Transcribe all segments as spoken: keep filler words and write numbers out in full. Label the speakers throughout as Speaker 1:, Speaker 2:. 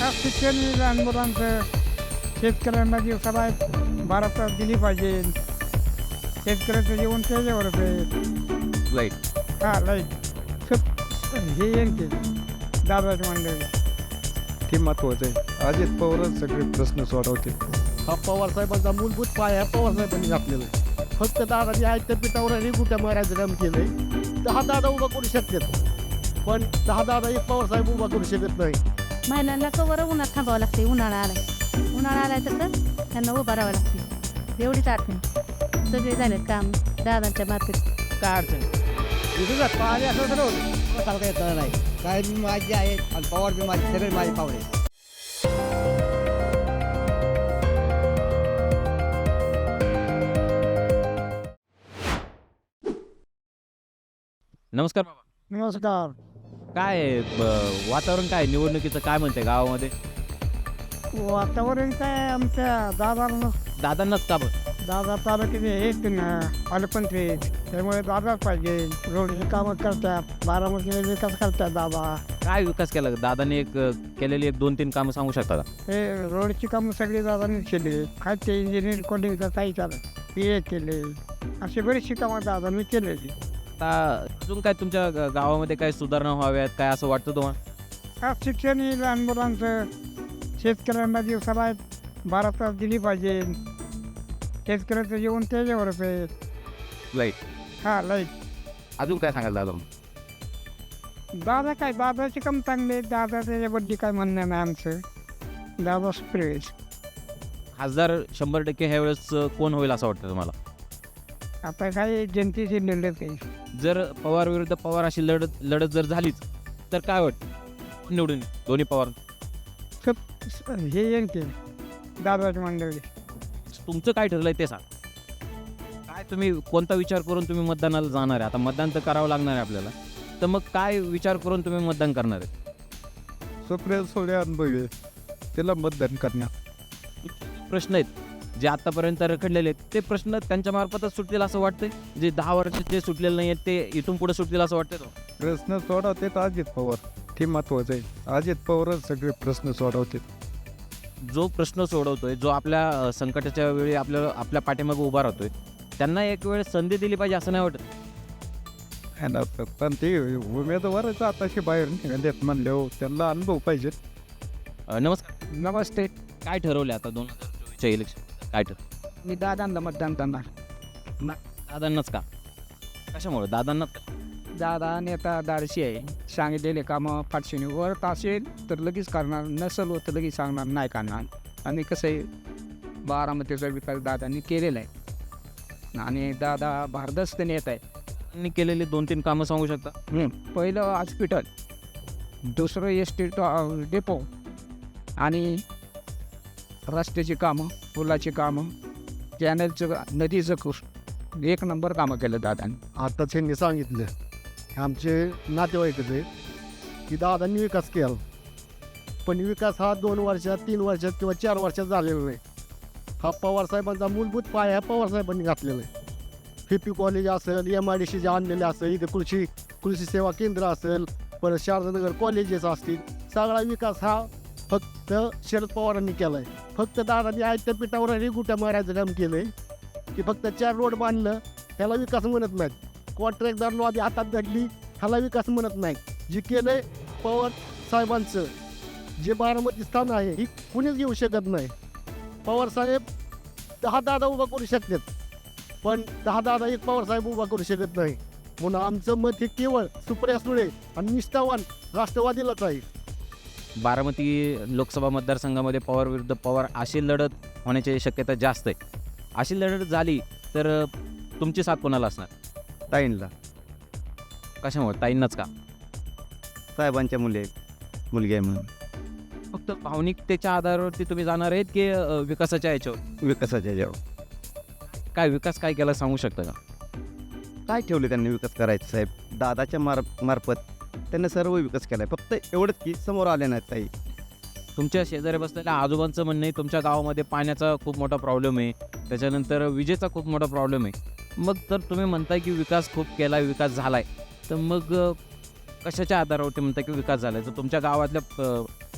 Speaker 1: हा शिक्षण लहान मुलांचं शेतकऱ्यांना दिवसाला बारा तास दिली पाहिजे. शेतकऱ्याचं जीवन त्याच्यावरच आहे.
Speaker 2: लाईट
Speaker 1: हा लाईट सब हे येईल ते दादाची मंडळी
Speaker 3: ते महत्त्वाचं आहे. अजित पवारच सगळे प्रश्न सोडवते.
Speaker 4: हा पवारसाहेबांचा मूलभूत पाय हा पवारसाहेबांनी घातलेला आहे. फक्त दादाजी आहेत त्या पिठावर आणि गुट्या मारायचं काम केलं आहे. दहा दादा उभा करू शकतात, पण दहा दादा एक पवारसाहेब उभा करू शकत नाही.
Speaker 5: महिलांना कवर उन्हात थांबावं लागते. उन्हाळा आलाय उन्हाळा आलाय तर तर त्यांना उभं राहावं लागते. एवढीच अडचण. सगळे झालेत काम दादांच्या मार्फत.
Speaker 4: काय अडचण विरोधात पाणी असं तर होतं सांगता येत नाही. काय बी माझी आहे आणि पवार बी माझी, सगळे माझे पावडे.
Speaker 2: नमस्कार बाबा.
Speaker 1: नमस्कार.
Speaker 2: काय आहे, ब- वातावरण काय निवडणुकीचं काय म्हणते गावामध्ये?
Speaker 1: वातावरण काय आमच्या दादा
Speaker 2: दादांनाच का बरं?
Speaker 1: दादा तालुक्याचे आहेत ना आलपंथी, त्यामुळे दादाच पाहिजे. रोडची कामं करतात, बारामतीने विकास करतात दादा.
Speaker 2: काय विकास केला दादाने? एक अ, केलेली एक दोन तीन कामं सांगू शकता का?
Speaker 1: हे रोडची कामं सगळी दादानेच केली. काय ते इंजिनियर कॉलेजचा काही चालत पी ए केले, अशी बरीचशी कामं दादाने केलेली.
Speaker 2: आता अजून काय तुमच्या ग- गावामध्ये काय सुधारणा व्हाव्यात काय असं वाटतं तुम्हाला?
Speaker 1: हा शिक्षण ही लहान मुलांचं शेतकऱ्यांना दिवसाला बारा तास दिली पाहिजे. शेतकऱ्याचं जीवन त्याच्यावरच आहे.
Speaker 2: लाईट
Speaker 1: हा लाईट
Speaker 2: अजून काय सांगाल दादा?
Speaker 1: दादा काय दादाचे काम चांगले. दादा त्याच्याबद्दल काय म्हणणं नाही आमचं. दादा स्प्रेस
Speaker 2: खासदार शंभर टक्के ह्या वेळेस अ, कोण होईल असं वाटतं तुम्हाला?
Speaker 1: आता काय जनतेची लढत आहे.
Speaker 2: जर पवार विरुद्ध पवार अशी लढत लढत जर झालीच तर काय वाटतं निवडून येईल? दोन्ही पवार.
Speaker 1: सब हे येईल ते दादाची मंडळी.
Speaker 2: तुमचं काय ठरलंय ते सांग. काय तुम्ही कोणता विचार करून तुम्ही मतदानाला जाणार आहे? आता मतदान तर करावं लागणार आहे आपल्याला, तर मग काय विचार करून तुम्ही मतदान करणार आहे?
Speaker 3: सुप्रिया सोळे अनुभवी आहे. त्याला मतदान करणार.
Speaker 2: प्रश्न आहेत जे आतापर्यंत रखडलेले आहेत ते प्रश्न त्यांच्या मार्फतच सुटतील असं वाटतंय. जे दहा वर्ष जे सुटलेले नाही आहेत ते इथून पुढे सुटतील असं वाटतंय तो.
Speaker 3: प्रश्न सोडवते अजित पवार. ते महत्त्वाचं आहे. अजित पवारच सगळे प्रश्न सोडवते.
Speaker 2: जो प्रश्न सोडवतोय, जो आपल्या अ, संकटाच्या वेळी आपल्या आपल्या पाठीमागे उभा राहतोय, त्यांना एक वेळ संधी दिली पाहिजे असं नाही वाटत?
Speaker 3: आणि आता पण ते उमेदवारच आताशी बाहेर निघालेत म्हणल्यावर त्यांना अनुभव पाहिजे.
Speaker 2: अ, नमस्कार.
Speaker 1: नमस्ते.
Speaker 2: काय ठरवले आता दोन हजार चोवीसच्या इलेक्शन काय ठरवलं?
Speaker 1: मी दादांना मतदान करणार.
Speaker 2: दादांनाच का? कशामुळे दादांनाच का?
Speaker 1: दादा नेता दारशी आहे. सांगितलेले कामं फाटशीने वरत असेल तर लगेच करणार, नसेल तर लगेच सांगणार नाही करणार. आणि कसं आहे बारामतीचा विकास दादांनी केलेला आहे आणि दादा भारदस्त नेता आहे.
Speaker 2: त्यांनी केलेली दोन तीन कामं सांगू शकता?
Speaker 1: पहिलं हॉस्पिटल, दुसरं एस टी डेपो आणि रस्त्याची कामं, पुलाची कामं, कॅनलचं, नदीचं कुस एक नंबर कामं केलं दादांनी.
Speaker 4: आता त्यांनी सांगितलं आमचे नातेवाईकच आहे की दादांनी विकास केला, पण विकास हा दोन वर्षात, तीन वर्षात किंवा चार वर्षात झालेला नाही. हा पवारसाहेबांचा मूलभूत पाय हा पवारसाहेबांनी घातलेला आहे. पी पी कॉलेज असेल, एम आय डी सी जे आणलेले असेल, इथे कृषी कृषी सेवा केंद्र असेल, परत शारदानगर कॉलेजेस असतील, सगळा विकास हा फक्त शरद पवारांनी केला आहे. फक्त दादांनी आहेत त्या पिठावर आणि गुट्या मारायचं काम केलं आहे की फक्त चार रोड बांधलं ह्याला विकास म्हणत नाहीत. कॉन्ट्रॅक्टदार लॉबी हातात धरली ह्याला विकास म्हणत नाही. जे केलं आहे पवार साहेबांचं, जे बारामती स्थान आहे ही कुणीच घेऊ शकत नाही. पवारसाहेब दहा दादा उभा करू शकतात, पण दहा दादा एक पवारसाहेब उभा करू शकत नाही. म्हणून आमचं मत हे केवळ सुप्रिया सुळे आणि निष्ठावान राष्ट्रवादीलाच आहे.
Speaker 2: बारामती लोकसभा मतदारसंघामध्ये पवार विरुद्ध पवार अशी लढत होण्याची शक्यता जास्त आहे. अशी लढत झाली तर अ, तुमची साथ कोणाला असणार?
Speaker 6: ताईंला.
Speaker 2: कशामुळे? ताईंनाच का?
Speaker 6: साहेबांच्या मुले मुलगी आहे म्हणून.
Speaker 2: फक्त भावनिकतेच्या आधारावरती तुम्ही जाणार आहेत की अ, विकासाच्या याच्यावर?
Speaker 6: विकासाच्या जेव्हा
Speaker 2: काय विकास काय केला सांगू शकता का?
Speaker 6: काय ठेवले त्यांनी विकास करायचं साहेब? दादाच्या मार मार्फत त्यांनी सर्व विकास केला आहे. फक्त एवढंच की समोर आले नाहीत ताई.
Speaker 2: तुमच्या शेजारी बसलेल्या आजोबांचं म्हणणं आहे तुमच्या गावामध्ये पाण्याचा खूप मोठा प्रॉब्लेम आहे, त्याच्यानंतर विजेचा खूप मोठा प्रॉब्लेम आहे. मग तर तुम्ही म्हणताय की विकास खूप केला, विकास झाला आहे, तर मग अ, कशाच्या आधारावरती म्हणताय की विकास झाला आहे? तर तुमच्या गावातल्या अ,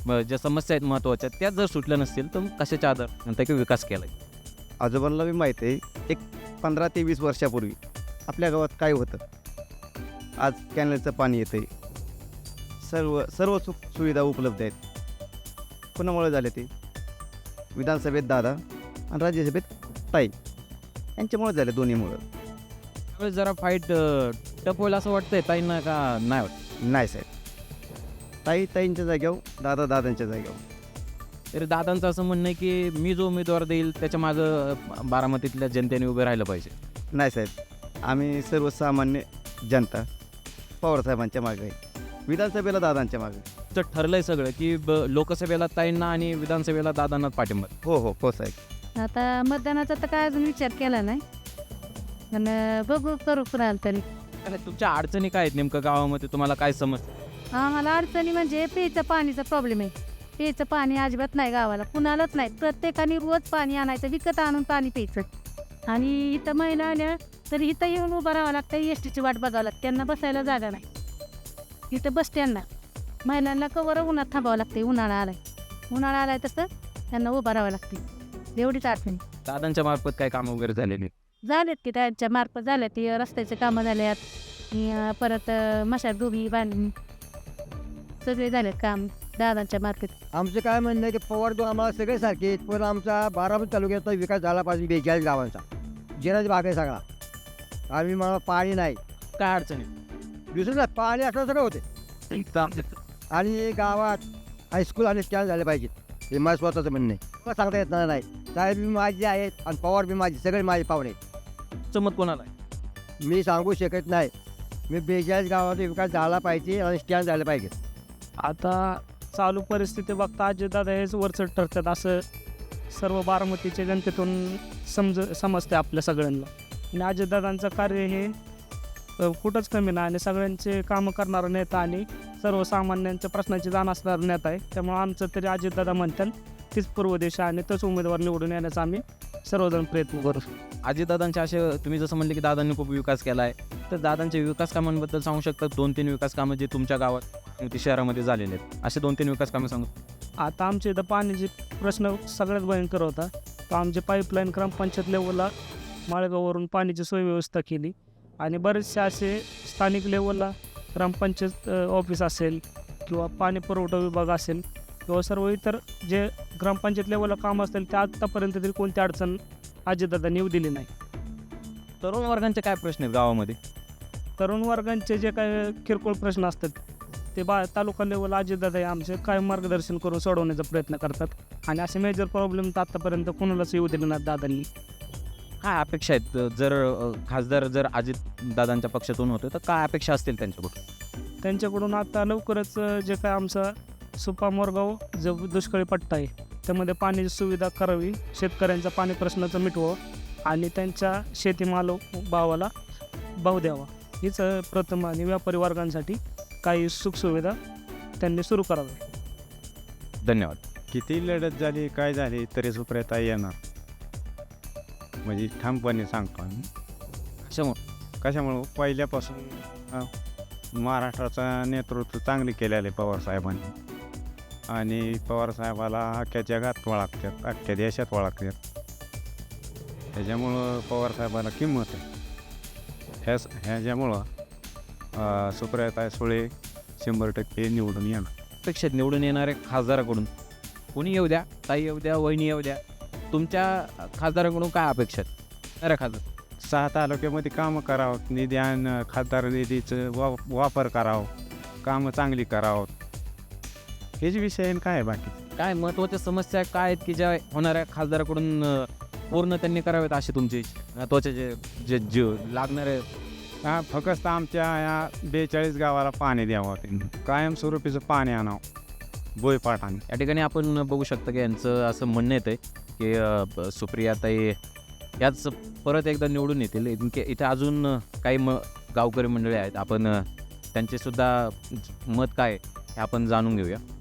Speaker 2: म- ज्या समस्या आहेत महत्त्वाच्या त्याच जर सुटल्या नसतील तर कशाच्या आधार म्हणता की विकास केला आहे.
Speaker 6: आजोबांना बी माहीत आहे एक पंधरा ते वीस वर्षापूर्वी आपल्या गावात काय होतं. आज कॅनलचं पाणी येतं आहे, सर्व सर्व सुख सुविधा उपलब्ध आहेत. कोणामुळे झाले ते? विधानसभेत दादा आणि राज्यसभेत ताई यांच्यामुळे झाले, दोन्हीमुळं.
Speaker 2: त्यावेळेस जरा फाईट टप होईल असं वाटतंय ताईंना का नाही वाटत?
Speaker 6: नाही साहेब, ताई ताईंच्या जाग्यावर, दादा दादांच्या जाग्यावर.
Speaker 2: तरी दादांचं असं म्हणणं आहे की मी जो उमेदवार देईल त्याच्या मागं अं, बारामतीतल्या जनतेने उभे राहिलं पाहिजे.
Speaker 6: नाही साहेब, आम्ही सर्वसामान्य जनता पवारसाहेबांच्या मागे आहे, विधानसभेला दादांच्या मागे.
Speaker 2: तर ठरलंय सगळं की ब- लोकसभेला ताईंना आणि विधानसभेला दादांनाच पाठिंबा.
Speaker 6: हो हो हो साहेब.
Speaker 5: आता मतदानाचा तर काय अजून विचार केला नाही, पण अं, बघू करू कुणाला तरी.
Speaker 2: आणि तुमच्या अडचणी काय आहेत नेमकं गावामध्ये, तुम्हाला काय समजतं?
Speaker 5: आम्हाला अडचणी म्हणजे प्यायचं पाणीचा प्रॉब्लेम आहे. प्यायचं पाणी अजिबात नाही गावाला, कुणालाच नाही. प्रत्येकाने रोज पाणी आणायचं, विकत आणून पाणी प्यायचं. आणि इथं महिला आल्या तरी इथं येऊन उभं राहावं लागतं, एस टीची वाट बघावं लागते, त्यांना बसायला जागा नाही. इथं बसत्यांना महिलांना कवर उन्हात थांबावं लागते. उन्हाळा आलाय उन्हाळा आलाय तसं त्यांना उभं राहावं लागते. एवढीच अडचणी
Speaker 2: दादांच्या मार्फत काय कामं वगैरे झालेली?
Speaker 5: झालेत की त्यांच्या मार्फत झाल्यात. ती रस्त्याचे कामं झाल्यात, अं, परत मशार डोबी बांधणी सगळे झालेत काम दादांच्या मार्फत.
Speaker 7: आमचं काय म्हणणं आहे की पवार दो आम्हाला सगळे सारखे आहेत, पण आमचा बारामती तालुक्याचा विकास झाला पाहिजे. बेचाळीस गावांचा जिराज भाग आहे सगळा. आम्ही मला पाणी नाही,
Speaker 2: काय अडचणी?
Speaker 7: दुसरं नाही, पाणी असं सगळं होते. आणि गावात हायस्कूल आणि स्टँड झाले पाहिजेत, हे माझं स्वतःचं म्हणणं आहे. मला सांगता येत नाही. साहेब बी माझे आहेत आणि पवार बी माझे, सगळे माझे पाहुणे आहेत.
Speaker 2: मत कोणाला आहे?
Speaker 7: मी सांगू शकत नाही. मी बेचाळीस गावाचा विकास झाला पाहिजे आणि स्टँड झाले पाहिजे.
Speaker 8: आता चालू परिस्थिती बघता अजितदादा हेच वरचढ ठरतात असं सर्व बारामतीच्या जनतेतून समज समजते आपल्या सगळ्यांना. आणि अजितदादांचं कार्य हे अ, कुठंच कमी नाही आणि सगळ्यांचे कामं करणारा नेता आणि सर्वसामान्यांच्या प्रश्नाची जाण असणारा नेता आहे. त्यामुळे आमचं तरी अजितदादा म्हणतात तीच पूर्व दिशा आणि तोच उमेदवार निवडून येण्याचा आम्ही सर्वजण प्रयत्न करू.
Speaker 2: अजितदादांचे असे तुम्ही जसं म्हणले की दादांनी खूप विकास केला आहे, तर दादांच्या विकास कामांबद्दल सांगू शकता? दोन तीन विकास कामं जे तुमच्या गावात ती शहरामध्ये झालेले आहेत, असे दोन तीन विकास कामं सांगू.
Speaker 8: आता आमच्या इथं पाण्याचे प्रश्न सगळ्यात भयंकर होता. तर आमचे पाईपलाईन ग्रामपंचायत लेवलला माळेगाववरून पाण्याची सोय व्यवस्था केली आणि बरेचसे असे स्थानिक लेवलला ग्रामपंचायत अ, ऑफिस असेल किंवा पाणी पुरवठा विभाग असेल किंवा सर्व इतर जे ग्रामपंचायत लेवलला काम असतील ते आत्तापर्यंत तरी कोणती अडचण अजितदादांनी येऊ दिली नाही.
Speaker 2: तरुण वर्गांचे काय प्रश्न आहेत गावामध्ये?
Speaker 8: तरुण वर्गांचे जे काही किरकोळ प्रश्न असतात ते बा तालुका लेवल अजितदादा हे आमचे काय मार्गदर्शन करून सोडवण्याचा प्रयत्न करतात आणि असे मेजर प्रॉब्लेम तर आत्तापर्यंत कोणालाच येऊ दिले नाहीत दादांनी.
Speaker 2: काय अपेक्षा आहेत? जर अ, खासदार जर अजित दादांच्या पक्षातून होते तर काय अपेक्षा असतील त्यांच्याकडून?
Speaker 8: त्यांच्याकडून आता लवकरच अ, जे काय आमचा सुपा मोरगाव जो दुष्काळी पट्टा आहे त्यामध्ये पाण्याची सुविधा करावी, शेतकऱ्यांचा पाणी प्रश्नाचं मिटवावं आणि त्यांच्या शेतीमाल भावाला भाव द्यावा. हीच अ, प्रथम आणि व्यापारी वर्गांसाठी काही सुखसुविधा त्यांनी सुरू करावी.
Speaker 2: धन्यवाद.
Speaker 3: किती लढत झाली काय झाली तरी सुप्रियाताई येणार, म्हणजे ठामपणे सांगतो आम्ही.
Speaker 2: कशामुळे?
Speaker 3: कशामुळं? पहिल्यापासून अ, महाराष्ट्राचं नेतृत्व चांगले केलेलं आहे पवारसाहेबांनी आणि पवारसाहेबाला अख्ख्या जगात ओळखतात, अख्ख्या देशात ओळखतात. त्याच्यामुळं पवारसाहेबाला किंमत आहे. ह्याच ह्याच्यामुळं अ, सुप्रियाताई सुळे शंभर टक्के निवडून येणार.
Speaker 2: अपेक्षित निवडून येणाऱ्या खासदाराकडून कोणी येऊ द्या, ताई येऊ द्या, वहिनी येऊ द्या, तुमच्या खासदाराकडून काय अपेक्षा आहेत? अरे खासदार
Speaker 3: सहा तालुक्यामध्ये कामं करावं, निधी आणि खासदार निधीचं वा वापर करावं, कामं चांगली करावं, हेच विषय आहे. काय आहे बाकी?
Speaker 2: काय महत्त्वाच्या समस्या काय आहेत की ज्या होणाऱ्या खासदाराकडून अ, पूर्ण त्यांनी कराव्यात अशी तुमची महत्त्वाचे जे जे जीव लागणारे?
Speaker 3: हा, फक्त आमच्या या बेचाळीस गावाला पाणी द्यावं, त्यांनी कायमस्वरूपीचं पाणी आणावं बोयपाटाने.
Speaker 2: या ठिकाणी आपण बघू शकता की यांचं असं म्हणणं येतं की अ, ब- सुप्रियाताई याच परत एकदा निवडून येतील. इनके इथे अजून काही म गावकरी मंडळी आहेत, आपण अ, त्यांचेसुद्धा मत काय आहे हे आपण जाणून घेऊया.